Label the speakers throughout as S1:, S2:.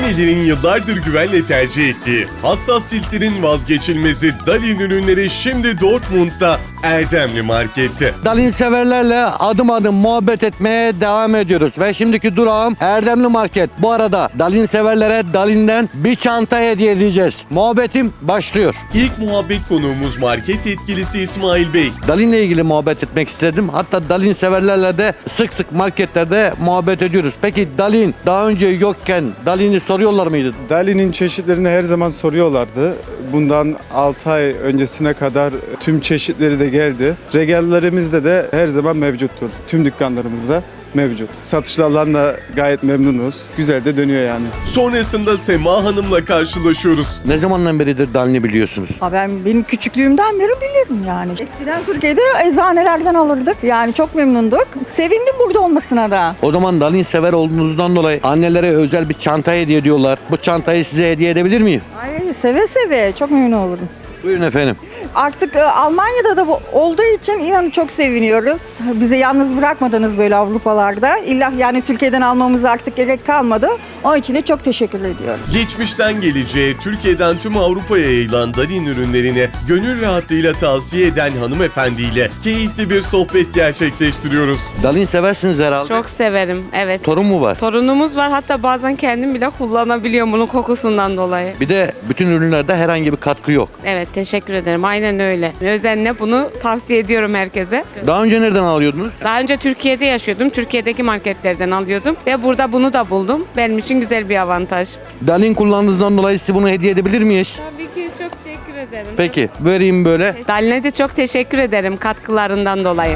S1: Annelerin yıllardır güvenle tercih ettiği hassas ciltlerin vazgeçilmezi Dalin ürünleri şimdi Dortmund'da Erdemli Market'te.
S2: Dalin severlerle adım adım muhabbet etmeye devam ediyoruz. Ve şimdiki durağım Erdemli Market. Bu arada Dalin severlere Dalin'den bir çanta hediye edeceğiz. Muhabbetim başlıyor.
S1: İlk muhabbet konuğumuz market yetkilisi İsmail Bey.
S2: Dalin'le ilgili muhabbet etmek istedim. Hatta Dalin severlerle de sık sık marketlerde muhabbet ediyoruz. Peki Dalin daha önce yokken Dalin'i soruyorlar mıydı?
S3: Dalin'in çeşitlerini her zaman soruyorlardı. Bundan 6 ay öncesine kadar tüm çeşitleri de geldi. Regallerimizde de her zaman mevcuttur. Tüm dükkanlarımızda mevcut. Satışlarla da gayet memnunuz. Güzel de dönüyor yani.
S1: Sonrasında Sema Hanım'la karşılaşıyoruz.
S2: Ne zamandan beridir Dalin'i biliyorsunuz?
S4: Benim küçüklüğümden beri bilirim yani. Eskiden Türkiye'de eczanelerden alırdık. Yani çok memnunduk. Sevindim burada olmasına da.
S2: O zaman Dalin sever olduğunuzdan dolayı annelere özel bir çanta hediye ediyorlar. Bu çantayı size hediye edebilir miyim?
S4: Ay seve seve çok memnun olurum.
S2: Buyurun efendim.
S4: Artık Almanya'da da bu olduğu için inanın çok seviniyoruz. Bizi yalnız bırakmadınız böyle Avrupalarda. İlla yani Türkiye'den almamız artık gerek kalmadı. Onun için de çok teşekkür ediyorum.
S1: Geçmişten geleceğe, Türkiye'den tüm Avrupa'ya yayılan Dalin ürünlerini gönül rahatlığıyla tavsiye eden hanımefendiyle keyifli bir sohbet gerçekleştiriyoruz.
S2: Dalin seversiniz herhalde.
S5: Çok severim, evet.
S2: Torun mu var?
S5: Torunumuz var, hatta bazen kendim bile kullanabiliyorum bunun kokusundan dolayı.
S2: Bir de bütün ürünlerde herhangi bir katkı yok.
S5: Evet, teşekkür ederim. Aynen öyle. Özenle bunu tavsiye ediyorum herkese.
S2: Daha önce nereden alıyordunuz?
S5: Daha önce Türkiye'de yaşıyordum. Türkiye'deki marketlerden alıyordum. Ve burada bunu da buldum. Benim için güzel bir avantaj.
S2: Dalin kullandığınızdan dolayı size bunu hediye edebilir miyiz?
S5: Tabii ki, çok teşekkür ederim.
S2: Peki vereyim böyle.
S5: Dalin'e de çok teşekkür ederim katkılarından dolayı.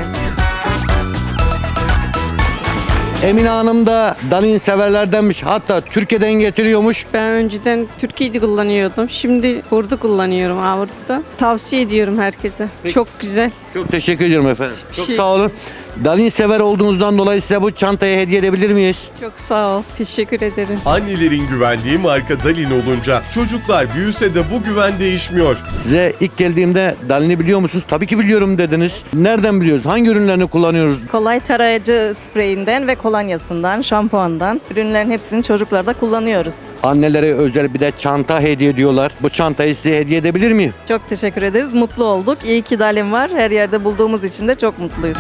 S2: Emine Hanım da Dalin severlerdenmiş. Hatta Türkiye'den getiriyormuş.
S6: Ben önceden Türkiye'de kullanıyordum. Şimdi burada kullanıyorum Avrupa'da. Tavsiye ediyorum herkese.
S2: Peki.
S6: Çok güzel.
S2: Çok teşekkür ediyorum efendim. Çok
S6: Şey-
S2: sağ olun. Dalin sever olduğunuzdan dolayı size bu çantayı hediye edebilir miyiz?
S6: Çok sağ ol. Teşekkür ederim.
S1: Annelerin güvendiği marka Dalin olunca çocuklar büyüse de bu güven değişmiyor.
S2: Size ilk geldiğimde Dalin'i biliyor musunuz? Tabii ki biliyorum dediniz. Nereden biliyoruz? Hangi ürünlerini kullanıyoruz?
S7: Kolay tarayıcı spreyinden ve kolonyasından, şampuandan ürünlerin hepsini çocuklarda kullanıyoruz.
S2: Annelere özel bir de çanta hediye ediyorlar. Bu çantayı size hediye edebilir miyim?
S7: Çok teşekkür ederiz. Mutlu olduk. İyi ki Dalin var. Her yerde bulduğumuz için de çok mutluyuz.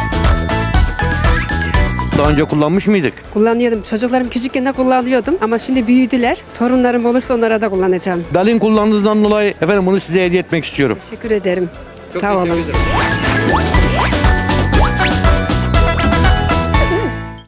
S2: Daha önce kullanmış mıydık?
S8: Kullanıyordum. Çocuklarım küçükken de kullanıyordum ama şimdi büyüdüler. Torunlarım olursa onlara da kullanacağım.
S2: Dalin kullandığınızdan dolayı efendim bunu size hediye etmek istiyorum.
S8: Teşekkür ederim.
S2: Çok
S8: Sağ olun.
S2: teşekkür ederim.